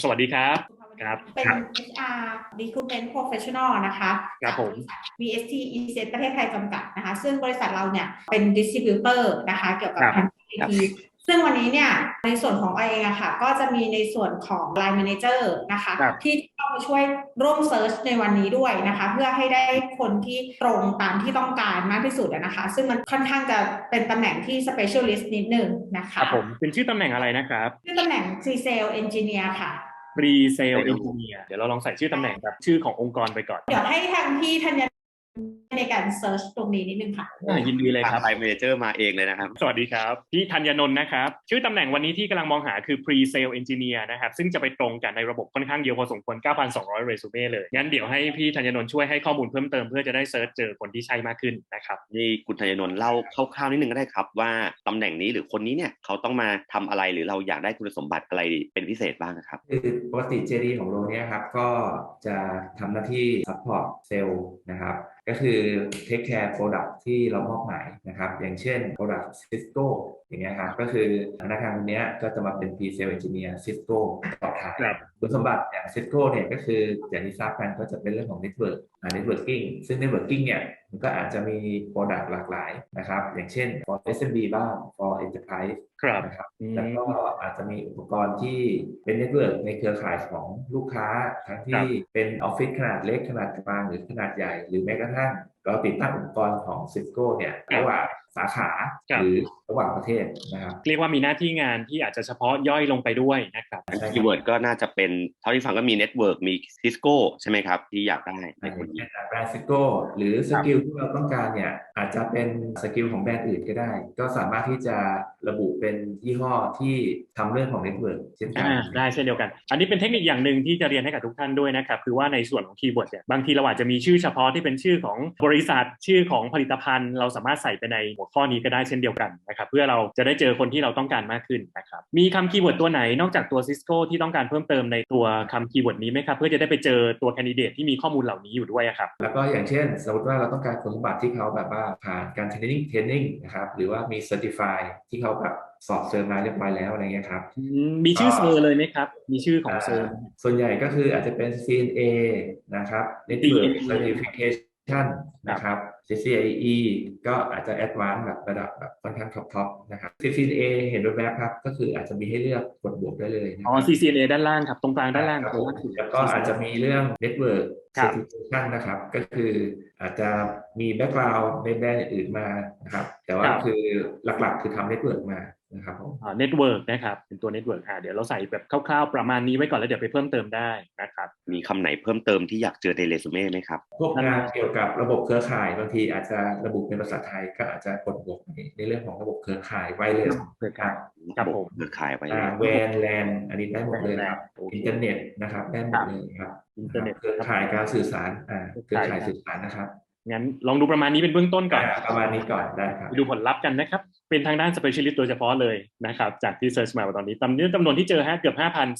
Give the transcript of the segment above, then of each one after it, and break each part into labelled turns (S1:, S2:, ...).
S1: สวัสดีครับครับ
S2: เป็น HR Recruitment Professional นะคะ
S1: ครับผม
S2: จากบริษัท VST ECS ประเทศไทยจำกัดนะคะซึ่งบริษัทเราเนี่ยเป็น distributor นะคะเกี่ยว
S1: ค
S2: กับ
S1: รับ
S2: ทาง
S1: ครั
S2: IT
S1: บ
S2: ซึ่งวันนี้เนี่ยในส่วนของอเองอะค่ะก็จะมีในส่วนของ Line Manager นะคะ
S1: ครับ
S2: ที่เข้ามาช่วยร่วมเซิร์ชในวันนี้ด้วยนะคะเพื่อให้ได้คนที่ตรงตามที่ต้องการมากที่สุดนะคะซึ่งมันค่อนข้างจะเป็นตำแหน่งที่ specialist นิดนึงนะคะ
S1: ครับผมเป็นชื่อตำแหน่งอะไรนะครับ
S2: คือตำแหน่ง Pre-sale Engineer ค่ะ
S1: Pre-sale Engineer เดี๋ยวเราลองใส่ชื่อตำแหน่งแบบชื่อขององค์กรไปก่อน
S2: เดี๋ยวให้ทางพี่ธัญญาในการเซิร์ชตรงนี้นิดนึงค่ะ
S1: ยินดีเลย
S3: ทาง
S1: ครับ
S3: ไลน์แมเนเจอร์มาเองเลยนะครับ
S1: สวัสดีครับพี่ธัญญนนท์นะครับชื่อตำแหน่งวันนี้ที่กำลังมองหาคือ Pre-sale Engineer นะครับซึ่งจะไปตรงกันในระบบค่อนข้างเยอะพอสมควร 9,200 เรซูเม่เลยงั้นเดี๋ยวให้พี่ธัญญนนท์ช่วยให้ข้อมูลเพิ่มเติมเพื่อจะได้เซิร์ชเจอคนที่ใช่มากขึ้นนะครับ
S3: นี่คุณธัญนนท์เล่าคร่าวๆนิดนึงก็ได้ครับว่าตำแหน่งนี้หรือคนนี้เนี่ยเขาต้องมาทำอะไรหรือเราอยากได้คุณสมบัติอะไรเป็นพิเศษบ้างครับ
S4: คือปกติ JD ของโรเนี่ยครับก็จะทำหน้าที่ support sale นะครับก็คือ take care product ที่เรามอบหมายนะครับอย่างเช่น product Cisco อย่างเงี้ยครับก็คือพนักงานคนนี้ก็จะมาเป็น pre-sale engineer Cisco ต่อท้าย
S1: ครับ
S4: คุณสมบัติอย่าง Cisco เนี่ยก็คืออย่างที่ทราบกันก็จะเป็นเรื่องของ networking ซึ่ง networking เนี่ยมันก็อาจจะมี product หลากหลายนะครับอย่างเช่น for SMB บ้าง for enterprise
S1: ครับ
S4: นะครับ
S1: อื
S4: แล้วก็
S1: ม
S4: อาจจะมีอุปกรณ์ที่เป็นเน็ตเวิร์กในเครือข่ายของลูกค้าทั้ง
S1: ครั
S4: ที่
S1: บ
S4: เป็นออฟฟิศขนาดเล็กขนาดกลางหรือขนาดใหญ่หรือแม้กระทั่งเราติดตั้งอุปกรณ์ของ Cisco เนี่ยระหว่างสาขา
S1: ครับ
S4: หรือระหว่างประเทศนะครับ
S1: เรียกว่ามีหน้าที่งานที่อาจจะเฉพาะย่อยลงไปด้วยนะครับ
S4: ใช่ครับ
S3: คีย์เวิร์ดก็น่าจะเป็นเท่าที่ฟังก็มีเน็ตเวิร์กมีซิสโก้ใช่ไหมครับที่อยากได้ใน
S4: อย่าง
S3: คนนี้
S4: เช่นแบรนด์ Cisco หรือสกิลที่เราต้องการเนี่ยอาจจะเป็นสกิลของแบรนด์อื่นก็ได้ก็สามารถที่จะระบุเป็นยี่ห้อที่ทำเรื่องของเน็ตเวิร์กเช่นกัน
S1: ได้เช่นเดียวกันอันนี้เป็นเทคนิคอย่างหนึ่งที่จะเรียนให้กับทุกท่านด้วยนะครับคือว่าในส่วนของคีย์เวิร์ดเนี่ยบางทีเราอาจจะมีชื่อเฉพาะที่เป็นชื่อของบริษัทชื่อของผลิตภัณฑ์เราสามารถใส่ไปในหัวข้อนี้ก็ได้เช่นเดียวกันนะครับเพื่อเราจะได้เจอคนที่เราต้องการมากขึ้นนะครับมีคำคีย์เวิร์ดตัวไหนนอกจากตัว Cisco ที่ต้องการเพิ่มเติมในตัวคำคีย์เวิร์ดนี้ไหมครับเพื่อจะได้ไปเจอตัวแคนดิเดตที่มีข้อมูลเหล่านี้อยู่ด้วยครับ
S4: แล้วก็อย่างเช่นสมมติว่าเราต้องการคุณสมบัติที่เขาแบบว่าผ่านการเทรนนิ่งนะครับหรือว่ามี Certify ที่เขาแบบสอบเซอร์มาเรียบร้อยแล้วอะไรเงี้ยครับ
S1: มีชื่
S4: ก็
S1: อเซอร์เลยไหมครับมีชื่อของเซอร์
S4: ส่วนใหญ่ก็คืออาจจะเป็น CNA นะครับ Network
S1: DNA
S4: Certification
S1: ครับ
S4: นะครับ CCIE ก็อาจจะ Advanced แบบระดับแบบค่อนข้างท็อปนะครับ CCNA เห็นแวบๆครับก็คืออาจจะมีให้เลือกกดบวกได้เลยนะ
S1: อ๋อ
S4: ครับ
S1: CCNA ด้านล่างครับตรงกลางด้านล่าง
S4: ครับผม
S1: ตัวล่างสุด
S4: แล้วก็อาจจะ
S1: CCNA
S4: มีเรื่อง Network
S1: ครับ
S4: Certification นะครับก็คืออาจจะมีแบ็กกราว n ์ในแบรนด์อื่นมานะครับแต่
S1: ค
S4: ว่า
S1: รับ
S4: คือหลักๆคือทำ Network มานะครับผม
S1: เน็ตเวิร์กนะครับเป็นตัวเน็ตเวิร์กเดี๋ยวเราใส่แบบคร่าวๆประมาณนี้ไว้ก่อนแล้วเดี๋ยวไปเพิ่มเติมได้นะครับ
S3: มีคำไหนเพิ่มเติมที่อยากเจอในเรซูเม่ไหมครับ
S4: พวกงานเกี่ยวกับระบบเครือข่ายบางทีอาจจะระบุเป็นภาษาไทยก็อาจจะกดบวกในเรื่องของระบบเครือข่ายไวเลส
S1: เครือ
S4: ครั
S1: ข่าย
S4: บ
S1: ครับผม
S3: เครือข่ายไว้เลย
S4: แวนแลนอันนี้ได้หมดเลยครับ
S1: โอเค
S4: อินเทอร์เน็ตนะครับได้ห
S1: ครับ
S4: มดเลยครับ
S1: อินเท
S4: นะครับ
S1: อร์เน็ตครับ
S4: เครือข่ายการสื่อสาร
S1: เครือ
S4: เครือ
S1: ข่าย
S4: ข่ายสื่อสารนะครับ
S1: งั้นลองดูประมาณนี้เป็นเบื้องต้นก่อน
S4: ประมาณนี้ก่อนได้ครับ
S1: ไปดูผลลัพธ์กันนะครับเป็นทางด้าน specialist โดยเฉพาะเลยนะครับจากที่เซิร์ชมาตอนนี้จำนวนที่เจอเกือบ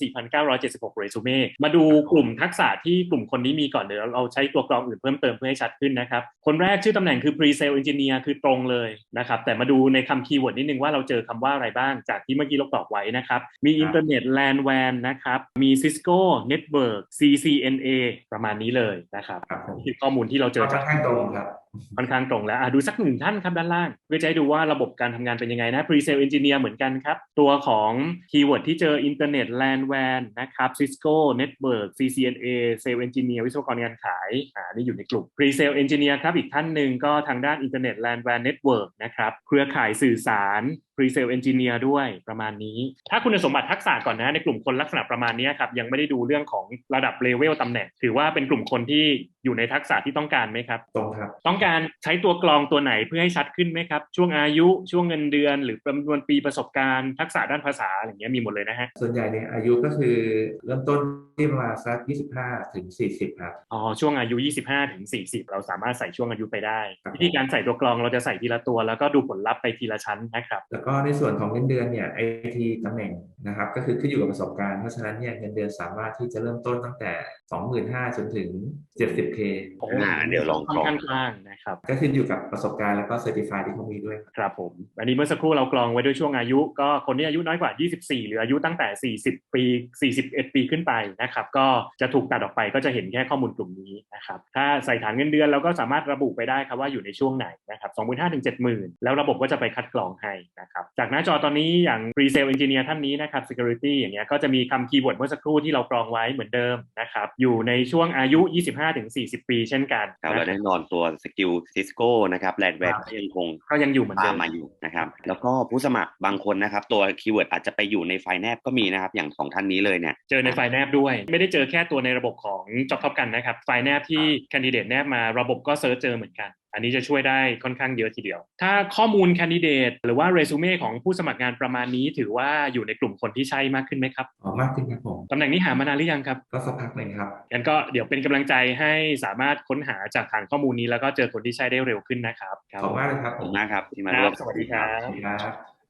S1: 5,4,976 เรซูเม่มาดูกลุ่มทักษะที่กลุ่มคนนี้มีก่อนเดี๋ยวเราใช้ตัวกรองอื่นเพิ่มเติมเพื่อให้ชัดขึ้นนะครับคนแรกชื่อตำแหน่งคือ pre-sale engineer คือตรงเลยนะครับแต่มาดูในคำคีย์เวิร์ดนิดนึงว่าเราเจอคำว่าอะไรบ้างจากที่เมื่อกี้เราตอบไว้นะครับมีอินเทอร์เน็ต LAN WAN นะครับมี Cisco Network CCNA ประมาณนี้เลยนะครับนี่คือข้อมูลที่เราเจอ
S4: ค่อนข้างตรงครับ
S1: ค่อนข้างตรงแล้วดูสักหนึ่งท่านครับด้านล่างเพื่อจะให้ดูว่าระบบการทำงานเป็นยังไงนะ Pre-sale Engineer เหมือนกันครับตัวของคีย์เวิร์ดที่เจออินเทอร์เน็ต LAN WAN นะครับ Cisco Network CCNA Sales Engineer วิศวกรงานขายนี่อยู่ในกลุ่ม Pre-sale Engineer ครับอีกท่านหนึ่งก็ทางด้านอินเทอร์เน็ต LAN WAN Network นะครับเครือข่ายสื่อสาร Pre-sale Engineer ด้วยประมาณนี้ถ้าคุณสมบัติทักษะก่อนนะในกลุ่มคนลักษณะประมาณนี้ครับยังไม่ได้ดูเรื่องของระดับเลเวลตำแหน่งถือว่าเป็นกลุ่มคนที่อยู่ในทักษะที่ต้องการไหมครับ
S4: ตรงครับ
S1: ต้องการใช้ตัวกรองตัวไหนเพื่อให้ชัดขึ้นไหมครับช่วงอายุช่วงเงินเดือนหรือจำนวนปีประสบการณ์ทักษะด้านภาษาอะไรเงี้ยมีหมดเลยนะฮะ
S4: ส่วนใหญ่เนี่ยอายุก็คือเริ่มต้นที่ประมาณสัก25ถึง40ครับ
S1: ช่วงอายุ25ถึง40เราสามารถใส่ช่วงอายุไปได้วิธีการใส่ตัวกรองเราจะใส่ทีละตัวแล้วก็ดูผลลัพธ์ไปทีละชั้นนะครับ
S4: แล้วก็ก็ในส่วนของเงินเดือนเนี่ย IT ตำแหน่งนะครับก็คือขึ้นอยู่กับประสบการณ์เพราะฉะนั้นเนี่ยเงินเดือนสามารถที่จะเริ่มต้นตั้งแต่ 25,000 จนถึง 70K
S1: โอ้
S3: เดี๋ยวลอง
S1: ค่อนข้างกว้างนะครับ
S4: ก็ขึ้นอยู่กับประสบการณ์แล้วก็ Certify ที่เขามีด้วย
S1: ครับผมอันนี้เมื่อสักครู่เรากรองไว้ด้วยช่วงอายุก็คนที่อายุน้อยกว่า24หรืออายุตั้งแต่40ปี41ปีขึ้นไปนะครับก็จะถูกตัดออกไปก็จะเห็นแค่ข้อมูลกลุ่มนี้นะครับถ้าใส่ฐานเงินเดือนเราก็สามารถระบุไปได้ครับว่าอยู่ในช่วงไหนนะครับ 25,000 ถึง 70,000 แล้วระบบก็จะไปคัดกรองให้นะครับจากหน้าจอตอนนี้อย่าง Pre-sale Engineer ท่านนี้นะครับ Security อย่างเงี้ยก็จะมีคำคีย์เวิร์ดเมื่อสักครู่ที่เรากรองไว้เหมือนเดิมนะครับอยู่ในช่วงอายุ 25 ถึง 40 ปีเช่นกัน
S3: ครับและแน่นอนตัวสกิลซิสโก้นะครับแลนด์แวร์ก็ยังอยู่เหมือนเดิมมาอยู่นะครับแล้วก็ผู้สมัครบางคนนะครับตัวคีย์เวิร์ดอาจจะไปอยู่ในไฟล์แนบก็มีนะครับอย่าง2ท่านนี้เลยเนี่ย
S1: เจอในไฟล์แนบด้วยไม่ได้เจอแค่ตัวในระบบของ Job Top กันนะครับไฟล์แนบที่แคนดิเดตแนบมาระบบก็เซิร์ชเจอเหมือนกันอันนี้จะช่วยได้ค่อนข้างเยอะทีเดียวถ้าข้อมูลแคนดิเดตหรือว่าเรซูเม่ของผู้สมัครงานประมาณนี้ถือว่าอยู่ในกลุ่มคนที่ใช่มากขึ้นไหมครับ
S4: มากขึ้นครับผม
S1: ตำแหน่งนี้หามานานหรือยังครับ
S4: ก็สักพักหนึ่งครับ
S1: งั้นก็เดี๋ยวเป็นกำลังใจให้สามารถค้นหาจากฐานข้อมูลนี้แล้วก็เจอคนที่ใช่ได้เร็วขึ้นนะครับ
S4: ขอบคุณมากเลยครับ
S3: ขอบคุณมากครับที่มาร่วม
S1: สวัสดีครับ